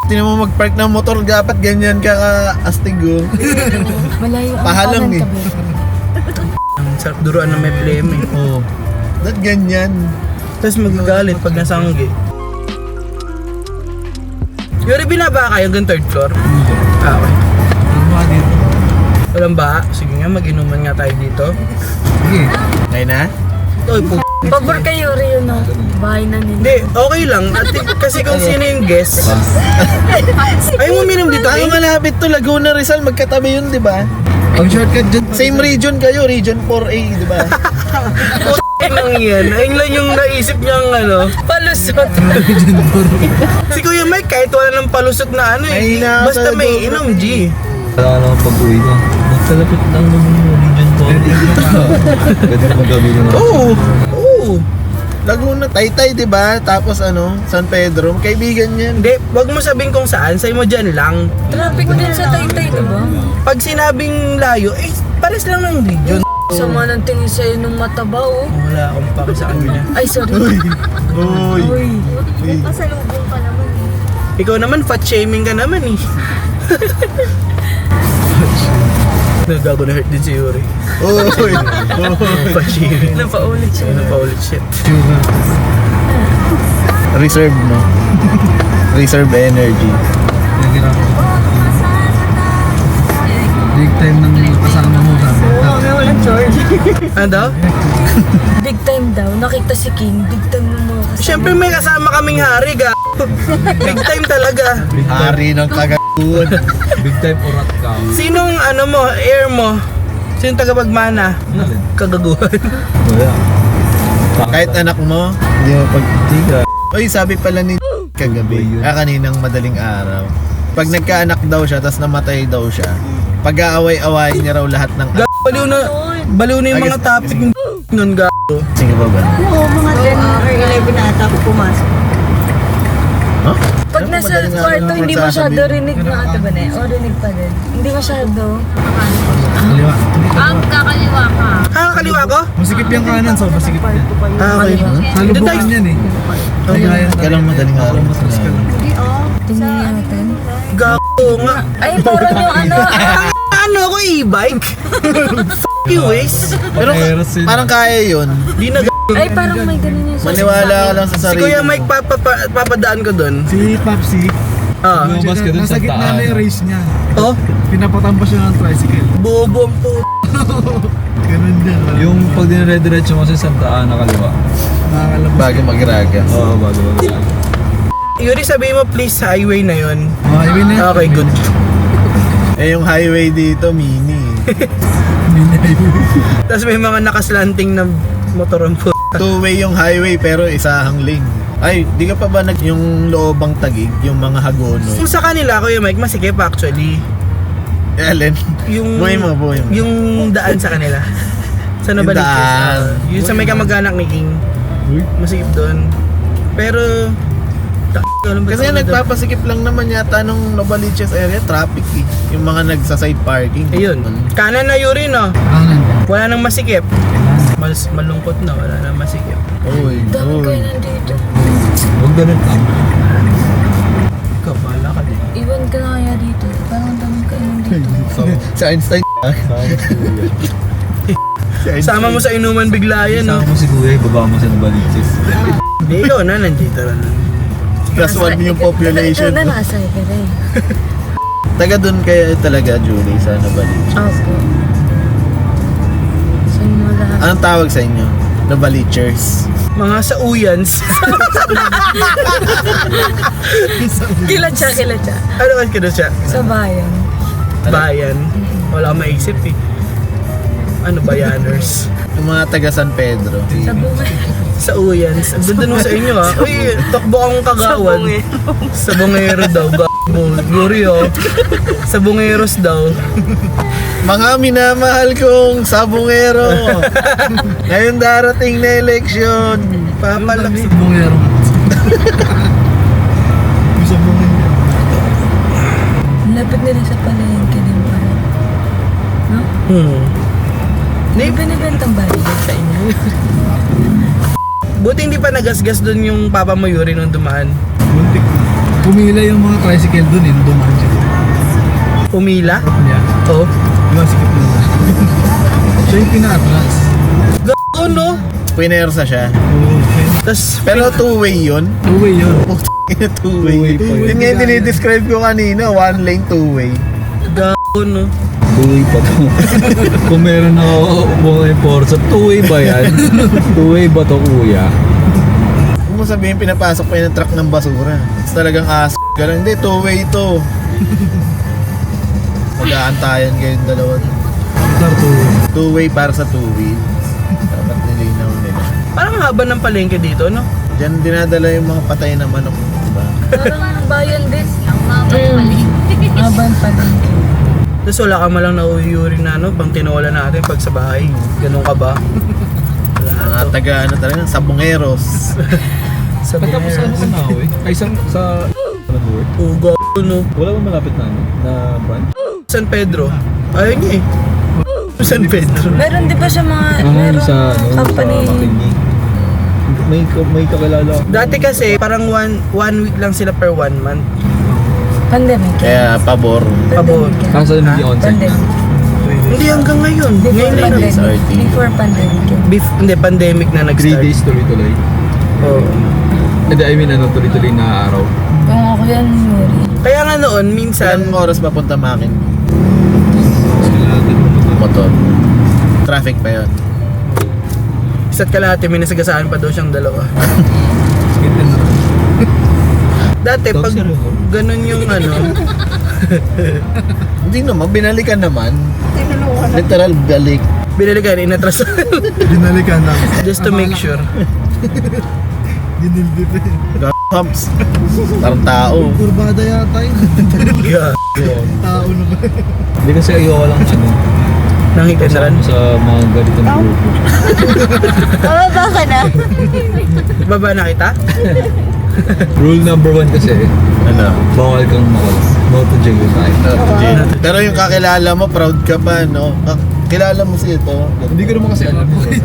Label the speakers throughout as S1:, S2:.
S1: Tinan mo mag-park ng motor, dapat ganyan ka ka-astig oh.
S2: Malayo ang
S1: Pahalang
S2: kanan
S1: eh.
S2: tabi.
S3: Ang sarap duruan na may flame eh.
S1: Oo. Ba't ganyan?
S3: Tapos magagalit pag nasanggi. Yuri, binaba kayo hanggang third floor? Ah, okay. Walang ba? Sige nga, mag-inuman nga tayo dito.
S1: Sige. Ngayon na?
S3: Oy,
S2: Pabor kayo rin yun, no? Bahay na nila.
S3: Hindi, okay lang. At kasi kung sino yung guest. Ayaw mo minum dito,
S1: Ang malapit to, Laguna Rizal, magkatabi yun, di ba?
S4: Ang shortcut dyan.
S1: Same region kayo, Region 4A, di ba?
S3: Nang yan. Ayun lang yung naisip niyang ano.
S2: Palusot.
S3: Si Kuya Mike, kahit wala ng palusot na ano
S1: Ay,
S3: eh.
S1: nasa
S3: Basta may
S1: dobro
S3: inom,
S1: eh.
S3: G.
S4: Wala naman pag-uwi ko. Magkalapit lang ng region to. Pwede mo gawin mo.
S3: Oo. Oo.
S1: Laguna, Taytay, di ba? Tapos ano, San Pedro, kaibigan yan.
S3: Hindi, wag mo sabihin kung saan. Sa'yo mo dyan lang.
S2: Traffic din sa Taytay, diba?
S3: Pag sinabing layo, eh, pares lang ng region.
S2: Sama ng tingin sa'yo nung mataba, oh.
S3: Wala akong paki sa kanya.
S2: Ay, sorry.
S1: Uy.
S2: Uy.
S5: Pasalubong ka naman eh.
S3: Ikaw naman, fat shaming ka naman eh. Nagago na hurt din si Yuri.
S1: Uy.
S3: Fat shaming.
S2: Napaulit siya.
S3: Napaulit shit.
S1: Reserve, no? Reserve energy.
S4: Big time ng kasama mo sabi.
S2: Oo, may walang charge.
S3: Ano daw?
S2: Big time daw. Nakita si King. Big time ng mga kasama.
S3: Siyempre may kasama kaming hari, ga. Big time talaga.
S1: Hari ng kagaguan.
S4: Big time urat ka.
S3: Sinong ano mo, air mo? Sinong tagapagmana? Kagaguhan.
S4: Wala.
S1: Kahit anak mo, hindi mo pag...
S4: Hindi ka.
S1: Uy, sabi pala ni kagabi, kaninang madaling araw. Pag nagkaanak daw siya, tapos namatay daw siya, pag-aaway-awayin niya raw lahat ng...
S3: Baliw na yung mga topic ng nun, ga.
S1: Sige ba ba?
S5: Oo, mga 10 or 11 na ata ako pumasok.
S1: Huh?
S2: Pag nasa kwarto, hindi masyado rinig na ata ba na eh? O rinig pa din? Hindi masyado.
S4: Kaliwa.
S5: Ang kakaliwa ka.
S3: Ah, kaliwa ko?
S4: Masikip yung kanan, so masikip yan.
S3: Ah, okay.
S4: Nalubukan yan eh.
S1: Kailang madaling araw.
S5: Hindi oh.
S2: Tingnan natin.
S3: Gago nga.
S2: Ay, parang yung ano.
S3: Ano ako, e-bike? Fuck you, Waze.
S1: Pero parang kaya yun.
S3: Di na
S2: Ay, parang may ganun yung
S1: Maniwala ka lang sa
S3: Si
S1: sarili
S3: Kuya
S1: mo.
S3: Mike, papadaan ko doon.
S4: Si Papsi,
S3: Ah.
S4: lumabas ka dun sa gitna na yung race niya.
S3: Oh,
S4: Pinapatampas siya ng tricycle.
S3: bobo ang po.
S4: Ganun din. Yung pag dinire-diretso mo sa Santa Ana kaliwa. Nakakalabas.
S1: Bago magraga.
S4: Oo, bago.
S3: Yuri, sabihin mo please sa highway na yon.
S4: Highway na yun.
S3: Okay, good.
S1: Eh yung highway dito, mini.
S3: Tapos may mga nakaslanting na motor ang po.
S1: Two-way yung highway pero isahang lane. Ay, di ka pa ba yung loobang tagig, yung mga hagono?
S3: Kung sa kanila, Kuya Mike, masikip actually.
S1: Ellen,
S3: Yung,
S1: buhay mo.
S3: yung daan sa kanila. Sa
S1: Yung
S3: Nabaliches.
S1: daan.
S3: Yung sa may kamag-anak ni King. Masikip doon. Pero,
S1: Kasi nagpapasikip lang naman yata nung Novaliches area, traffic eh. Yung mga nagsa-side parking.
S3: ayun. Kanan na Yuri, no?
S4: Kanan.
S3: Wala nang masikip. Malungkot na, wala nang masikip.
S1: Uy,
S2: dami kayo
S1: uy.
S2: nandito.
S4: Huwag ganun lang.
S3: Ikaw, bahala ka din.
S2: Iwan ka na kaya dito. Parang dami kayo nandito.
S1: Sa Einstein. Si Einstein.
S3: Sama mo sa inuman bigla yan, no?
S4: Sama mo si Kuya, ibaba mo sa Nabaliches.
S3: Hindi, ikaw na, nandito na.
S1: Plus one yung population.
S2: Ito na nasa ka rin.
S1: Taga dun kaya talaga, Julie, sa Novaliches.
S2: Opo. Sa inyo lahat.
S1: Anong tawag sa inyo? Novalichers.
S3: Mga sa uyans.
S2: Kilatsa.
S3: Ano kasi kino siya?
S2: Sa bayan.
S3: Bayan. Wala akong maisip eh. Ano, bayaners?
S1: Yung mga taga San Pedro.
S2: Sa bunga.
S3: Sa uyans. Ang ganda nung sa inyo ha. Uy, takbo akong kagawan. Sa bungero daw. Glorio. Sa bungeros daw.
S1: Mga minamahal kong sabungero. Ngayon darating na eleksyon. Papalaki.
S4: Bungero. Gusto mo nga.
S2: Lapit nila sa palengke din pala. No? May binibentang balikat sa inyo.
S3: Buti hindi pa nagasgas doon yung papa mo Yuri nung dumaan.
S4: Muntik. Pumila yung mga tricycle dun eh, dumaan siya.
S3: Pumila?
S4: Yeah.
S3: Oo.
S4: Diba sikip na naman. Siya yung pina-atras.
S3: Gago no?
S1: Pinersa siya.
S4: Oo.
S3: Tapos,
S1: Pero two-way yun.
S4: Two-way yun.
S1: Two-way.
S4: Two-way pa yun.
S1: Yun nga yung dinidescribe ko kanina. One lane, two-way.
S3: gago no?
S4: Two-way pa to. Kung meron ako mga Forza, two-way ba yan? Two-way ba to, kuya?
S1: Kung mo sabihin, pinapasok pa yun ng truck ng basura. It's talagang ka lang. Hindi, two-way to. Mag-aantayan kayong dalawa.
S4: Car two-way.
S1: Two-way para sa two-wheel. Dapat nilinaw nila.
S3: Parang haba ng palengke dito, no?
S1: Diyan dinadala yung mga patay na manok. Diba?
S2: Parang bayan din.
S5: Ang mabay pala.
S2: Aban pa din.
S3: Tapos wala ka malang nauuyuri na, no? Pang tinola natin pag sa bahay. Ganun ka ba? Wala
S1: Mga
S3: to.
S1: taga ano talaga, sabongeros.
S3: Sa
S4: Pagkapos sa ano sa Naui? Ay, sa work?
S3: Oo, gago no?
S4: Wala ba malapit na ano? Na branch?
S3: San Pedro. Ayun niya eh. San Pedro.
S2: Meron di ba siya mga,
S4: Ah,
S2: meron
S4: sa
S2: company?
S4: Sa Makinig. May kakilala ako.
S3: Dati kasi parang one week lang sila per 1 month.
S2: Pandemic.
S1: Kaya pabor.
S3: Pabor.
S2: Pandemic.
S4: Kaso hindi
S3: Ha?
S4: on-site.
S2: Pandemic.
S3: Hindi hanggang ngayon.
S2: Before
S3: Ngayon lang.
S2: pandemic.
S1: SRT.
S2: Before pandemic.
S3: Hindi, pandemic na
S4: 3
S3: nag-start.
S4: days tuloy-tuloy.
S3: Oo.
S4: Hindi, I mean ano, tuloy-tuloy na araw.
S2: Kung ako yan, Yuri.
S3: Kaya nga noon, minsan,
S1: Ilang oras papunta makin
S4: Sila din
S1: motor. Traffic pa yun.
S3: isa't kalahati, may nasagasaan pa daw siyang dalawa. Dati, pag ganun yung ano,
S1: Hindi naman, binalikan naman.
S5: Tinulungan na.
S1: Literal balik.
S3: binalikan, inatras.
S4: Binalikan na.
S3: Just to make sure.
S4: Ginildip eh.
S1: Humps. Parang tao.
S4: Kurbada yata yun.
S3: Yeah.
S4: Tao na ba? Hindi kasi ayoko lang ano.
S3: Nakita na rin.
S4: Kasama sa mga ganitong grupo.
S5: Bababa ka na.
S3: Baba na kita?
S4: Rule number 1 kasi,
S1: Ano?
S4: bawal kang makulas. No to jail tayo.
S1: Jin. Pero yung kakilala mo, proud ka pa, no? Kilala mo si ito.
S4: Hindi ko naman kasi alam yun.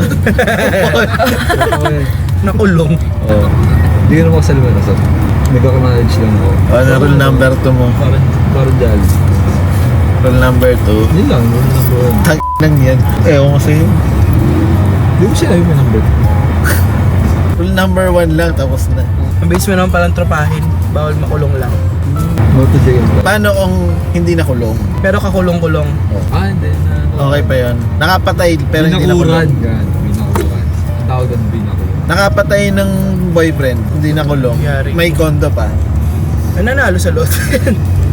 S3: Nakulong.
S4: Oo. Hindi ko naman kasi alam yun. So, nagkaka-knowledge lang ako.
S1: Ano, rule number 2 mo?
S4: Parang dahil.
S1: Rule number 2.
S4: Yun lang, rule number 1.
S1: Tang lang yan. Ewan ko sa'yo.
S4: Hindi ko sila yung number 2.
S1: Rule number 1 lang, tapos na.
S3: Ang base mo naman palang tropahin. Bawal makulong lang.
S4: No to jail tayo.
S1: Paano kung hindi nakulong?
S3: Pero kakulong-kulong.
S4: Hindi na.
S1: Okay pa yon. Nakapatay, pero hindi
S4: Binakuran.
S1: nakulong.
S4: Yan, binakuran. Ang tawag doon, binakuran.
S1: Nakapatay ng boyfriend, hindi nakulong.
S3: Yari.
S1: May kondo pa.
S3: Ay, nanalo sa lot.